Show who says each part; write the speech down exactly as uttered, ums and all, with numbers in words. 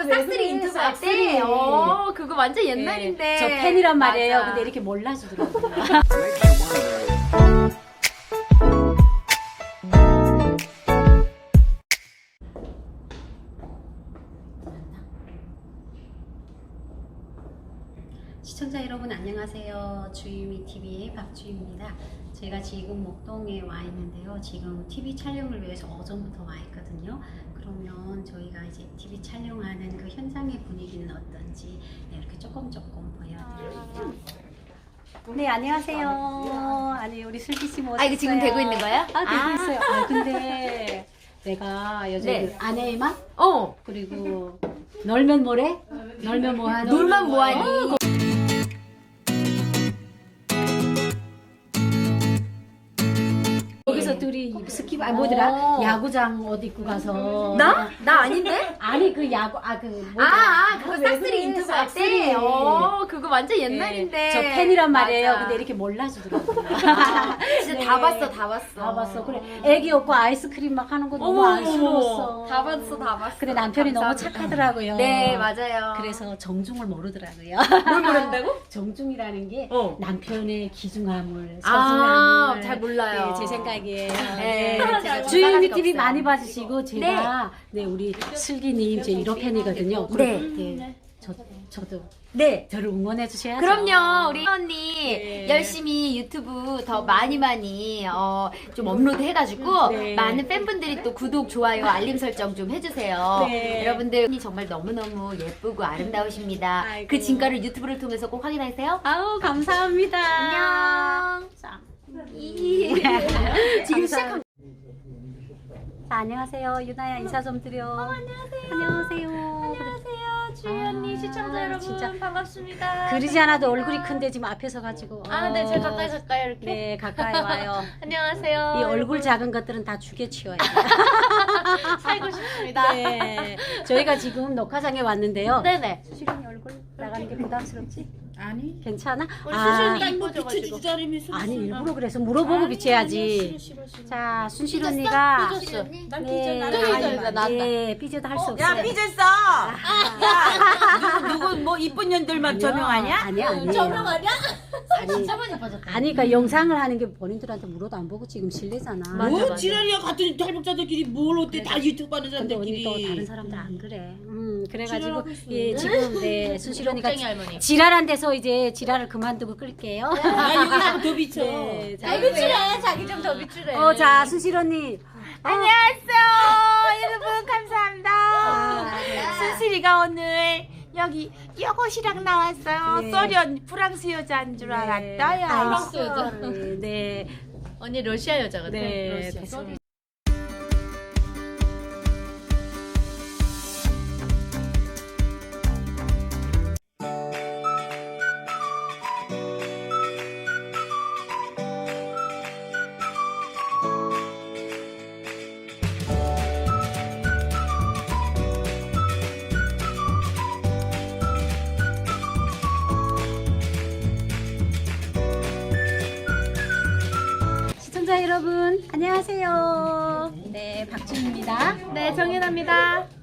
Speaker 1: 싹쓸이 인터뷰 할 때? 어, 그거 완전 옛날인데.
Speaker 2: 네, 저 팬이란 말이에요.
Speaker 1: 맞아.
Speaker 2: 근데 이렇게 몰라주더라고요. 시청자 여러분 안녕하세요. 주유미티비의 박주희입니다. 제가 지금 목동에 와 있는데요. 지금 티비 촬영을 위해서 어제부터 와 있거든요. 그러면 저희가 이제 티비 촬영하는 그 현장의 분위기는 어떤지 이렇게 조금 조금 보여드릴게요. 네, 안녕하세요. 아니, 우리 슬기씨 모셨어요.
Speaker 1: 아, 이거 지금 되고 있는 거야?
Speaker 2: 아, 되고
Speaker 1: 아.
Speaker 2: 있어요. 아, 근데 내가 요즘
Speaker 1: 네.
Speaker 2: 그 아내의 맛?
Speaker 1: 어.
Speaker 2: 그리고 놀면 뭐래? 놀면 뭐하니?
Speaker 1: 놀면 뭐하니?
Speaker 2: 어, 거기서 둘이 스키 아 뭐더라?
Speaker 1: 어.
Speaker 2: 야구장 옷 입고 가서
Speaker 1: 나? 나 아닌데?
Speaker 2: 아니 그 야구 아 그
Speaker 1: 아,
Speaker 2: 뭐더라?
Speaker 1: 아, 그거
Speaker 2: 왜
Speaker 1: 싹쓸이
Speaker 2: 그래,
Speaker 1: 인터뷰 할
Speaker 2: 싹쓸이.
Speaker 1: 때? 어, 그거 완전 옛날인데.
Speaker 2: 네, 저 팬이란 말이에요.
Speaker 1: 맞아.
Speaker 2: 근데 이렇게 몰라주더라고요.
Speaker 1: 아, 진짜
Speaker 2: 네.
Speaker 1: 다 봤어, 다 봤어.
Speaker 2: 다 봤어. 그래 애기 없고 아이스크림 막 하는 거 너무
Speaker 1: 어머,
Speaker 2: 안쓰러웠어.
Speaker 1: 다 봤어, 다 봤어.
Speaker 2: 근데 남편이 너무
Speaker 1: 감사합니다.
Speaker 2: 착하더라고요.
Speaker 1: 네, 맞아요.
Speaker 2: 그래서 정중을 모르더라고요.
Speaker 1: 뭘 모른다고?
Speaker 2: 정중이라는 게
Speaker 1: 어.
Speaker 2: 남편의 기중함을,
Speaker 1: 아,
Speaker 2: 소중함을.
Speaker 1: 잘 몰라요.
Speaker 2: 네, 제 생각이에요.
Speaker 1: 네, 제가 좀
Speaker 2: 주유미
Speaker 1: 따라갈
Speaker 2: 티비
Speaker 1: 게 없어요.
Speaker 2: 많이 봐주시고 제가 네, 우리 슬기님 제 일 호 팬이거든요.
Speaker 1: 네.
Speaker 2: 네. 저 저도
Speaker 1: 네.
Speaker 2: 저를 응원해 주셔야죠.
Speaker 1: 그럼요, 우리 언니
Speaker 2: 네.
Speaker 1: 열심히 유튜브 더 많이 많이 어, 좀 업로드 해가지고
Speaker 2: 네.
Speaker 1: 많은 팬분들이 또 구독, 좋아요, 알림 설정 좀 해주세요.
Speaker 2: 네.
Speaker 1: 여러분들 언니 정말 너무너무 예쁘고 아름다우십니다.
Speaker 2: 아이고.
Speaker 1: 그 진가를 유튜브를 통해서 꼭 확인하세요.
Speaker 2: 아우 감사합니다.
Speaker 1: 안녕.
Speaker 2: 자,
Speaker 1: 지금 시작한.
Speaker 2: 자, 안녕하세요. 유나야 인사 좀 드려.
Speaker 1: 안녕하세요.
Speaker 2: 안녕하세요.
Speaker 1: 안녕하세요, 주희
Speaker 2: 아,
Speaker 1: 언니 시청자 여러분
Speaker 2: 진짜.
Speaker 1: 반갑습니다.
Speaker 2: 그리지 않아도 얼굴이 큰데 지금 앞에서 가지고.
Speaker 1: 아, 네, 제가
Speaker 2: 어,
Speaker 1: 가까이 가까이 이렇게.
Speaker 2: 네, 가까이 와요.
Speaker 1: 안녕하세요.
Speaker 2: 이 얼굴 작은 것들은 다 죽여 치워야 돼.
Speaker 1: 살고 싶습니다.
Speaker 2: 네. 저희가 지금 녹화장에 왔는데요.
Speaker 1: 네네.
Speaker 2: 수실이 얼굴 나가는 게 부담스럽지?
Speaker 3: 아니.
Speaker 2: 괜찮아?
Speaker 1: 우리
Speaker 2: 아,
Speaker 1: 수실이
Speaker 3: 뭐
Speaker 1: 이뻐져가지고.
Speaker 3: 비춰주자리면서
Speaker 2: 아니 일부러 그래서 물어보고 비춰야지.
Speaker 3: 싫어 싫어 싫어.
Speaker 2: 자, 순실 언니가
Speaker 1: 삐졌어.
Speaker 3: 난
Speaker 2: 네,
Speaker 3: 삐져 나는
Speaker 1: 삐져,
Speaker 3: 아니,
Speaker 1: 삐져,
Speaker 3: 아니.
Speaker 1: 나왔다.
Speaker 2: 네, 삐져도 할 수 없어요.
Speaker 3: 야 삐졌어. 야 누구, 누구 뭐 이쁜 년들만
Speaker 2: 아니요,
Speaker 3: 조명하냐?
Speaker 2: 아니야, 아니에요.
Speaker 1: 조명하냐?
Speaker 2: 아니,
Speaker 1: 진짜 많이 빠졌다.
Speaker 2: 아니, 그러니까 영상을 하는 게 본인들한테 물어도 안 보고 지금 실례잖아.
Speaker 1: 맞아,
Speaker 3: 뭐
Speaker 1: 맞아.
Speaker 3: 지랄이야 같은 탈북자들끼리 뭘 어때 다 유튜브 하는
Speaker 2: 근데 언니 또 다른
Speaker 3: 사람들끼리.
Speaker 2: 사람들 안 그래. 음, 그래가지고
Speaker 3: 지랄하고 있어.
Speaker 2: 예, 지금 네 순실 언니가
Speaker 1: 욕쟁이 할머니.
Speaker 2: 지랄한 데서 이제 지랄을 그만두고 끌게요.
Speaker 3: 아 여기서 더 비춰.
Speaker 2: 네, 자,
Speaker 1: 잘 비추래. 자기 좀 더 비추래.
Speaker 2: 어, 자, 순실 언니.
Speaker 4: 안녕하세요 여러분 감사합니다
Speaker 2: 아,
Speaker 4: 순실이가 오늘 여기 여고시랑 나왔어요.
Speaker 2: 네.
Speaker 4: 소련 프랑스 여자인 줄 알았어요.
Speaker 1: 프랑스 여자.
Speaker 2: 네, 네,
Speaker 1: 언니 러시아 여자 같아.
Speaker 2: 네.
Speaker 1: 러시아.
Speaker 2: 됐습니다. 시청자 여러분, 안녕하세요. 네, 박준입니다.
Speaker 4: 네 정연아입니다.